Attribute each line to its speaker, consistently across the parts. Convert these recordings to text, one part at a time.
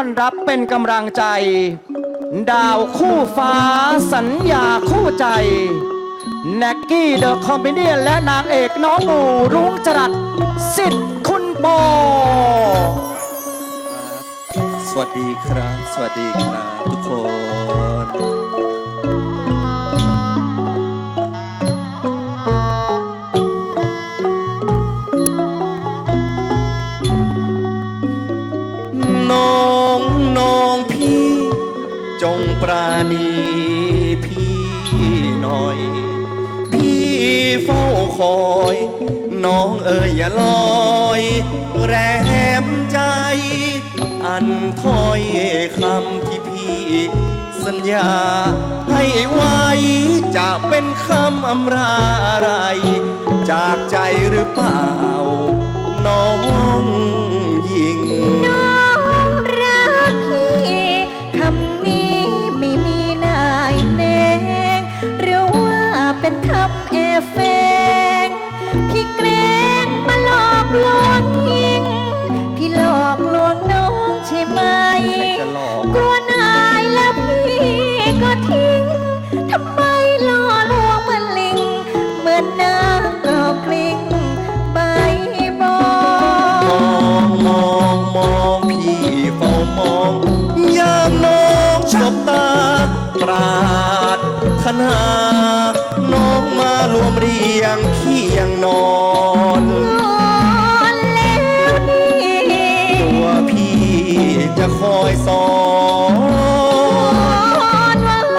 Speaker 1: อนรับเป็นกำลังใจ ดาวคู่ฟ้าสัญญาคู่ใจแน็กกี้เดอะคอมเมเดี้และนางเอกน้องหนูรุ้งจรัสสิทธิ์คุณโบ
Speaker 2: สวัสดีครับ สวัสดีครับทุกคนน้องพี่จงปราณีพี่หน่อย พี่เฝ้าคอยน้องเอ๋ยอย่าลอยแรมใจอันถ้อยคำที่พี่สัญญาให้ไว้จะเป็นคำอำราอะไรจากใจหรือเปล่าน้องหญิง
Speaker 3: น้องรักพี่คำนี้ไม่มีนายแนงหรือว่าเป็นคำแอบแฝงพี่แกล้งมาหลอกลวงทิ้งพี่หลอกลวงน้องใช่ไหมกลัวนายแล้วพี่ก็ทิ้งทำไมหล่อลวงเหมือนลิงเหมือนน้ำกรอกกลิ้งใบบอน
Speaker 2: มองพี่เฝ้ามองยามน้องชบตาปราดถนาน้องมารวมเรียงเคียงนอน
Speaker 3: แล้ว
Speaker 2: ตัวพี่จะคอยสอน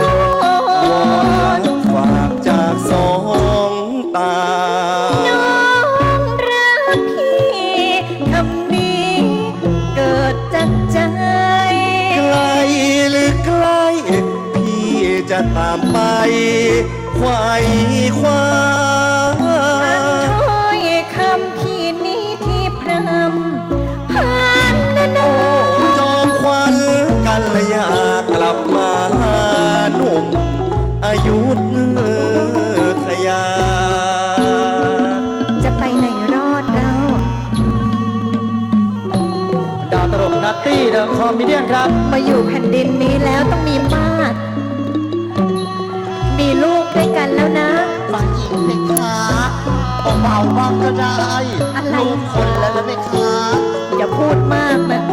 Speaker 2: ฝากจากสองตา
Speaker 3: น้องรักพี่คำนี้เกิดจากใจ
Speaker 2: ไกลหรือใกล้พี่จะตามไปไขว่คว้า
Speaker 3: ถ้อยคำพี่นี้ที่พรำผ่านนาน
Speaker 2: จอมควันกันละยากลับมาหนุ่มอายุทยา
Speaker 3: จะไปไหนรอดเรา
Speaker 1: ดาวตลกนัตตี้เดอะคอมเมเดี้ครับ
Speaker 3: มาอยู่แผ่นดินนี้แล้วต้องมีมาดมีลูกด้วยกันแล้วนะ
Speaker 4: ฝ่ายหญิงเพคะเบาๆบ้างก็ได้ลูกคนแล้วนะเพคะ
Speaker 3: อย่าพูดมากนะ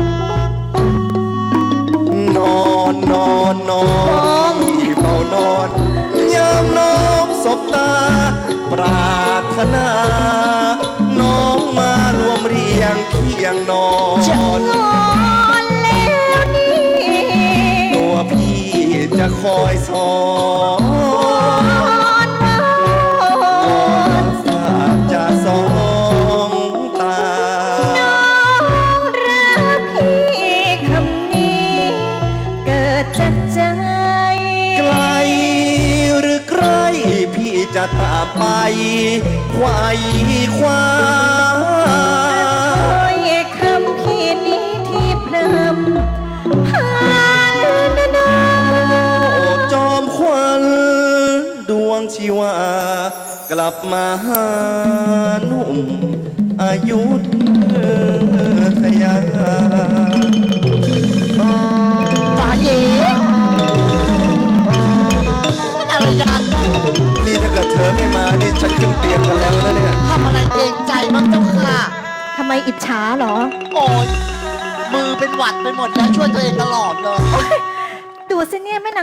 Speaker 2: นอนที่เฝ้านอนยามน้องสบตาปรารถนาน้องมารวมเรียงเคียงนอน
Speaker 3: แล้วนี่
Speaker 2: ตัวพี่จะคอยสอนฝากจากสองตา
Speaker 3: น้องรักพี่คำนี้เกิดจากใจ
Speaker 2: ไกลหรือใกล้พี่จะตามไปไขว่คว้า
Speaker 3: คำพี่นี้ที่พรำผ่านนาน
Speaker 2: จอมควันดวงชีวากลับมาหาหนุ่มอายุทยา
Speaker 4: ฝ่ายหญิงอะไรกัน
Speaker 2: นี่ถ้าเกิดเธอไม่มานี่ฉันขึ้นเตียงกันแล้วนะเนี่ย
Speaker 4: ทำอะไรเองใจบ้างเจ้าค่ะ
Speaker 3: ทำไมอิจฉาเหรอ
Speaker 4: โอ้ยมือเป็นหวัดไปหมดแล้วช่วยตัวเองตลอดเลย
Speaker 3: ดูสิเนี่ยแม่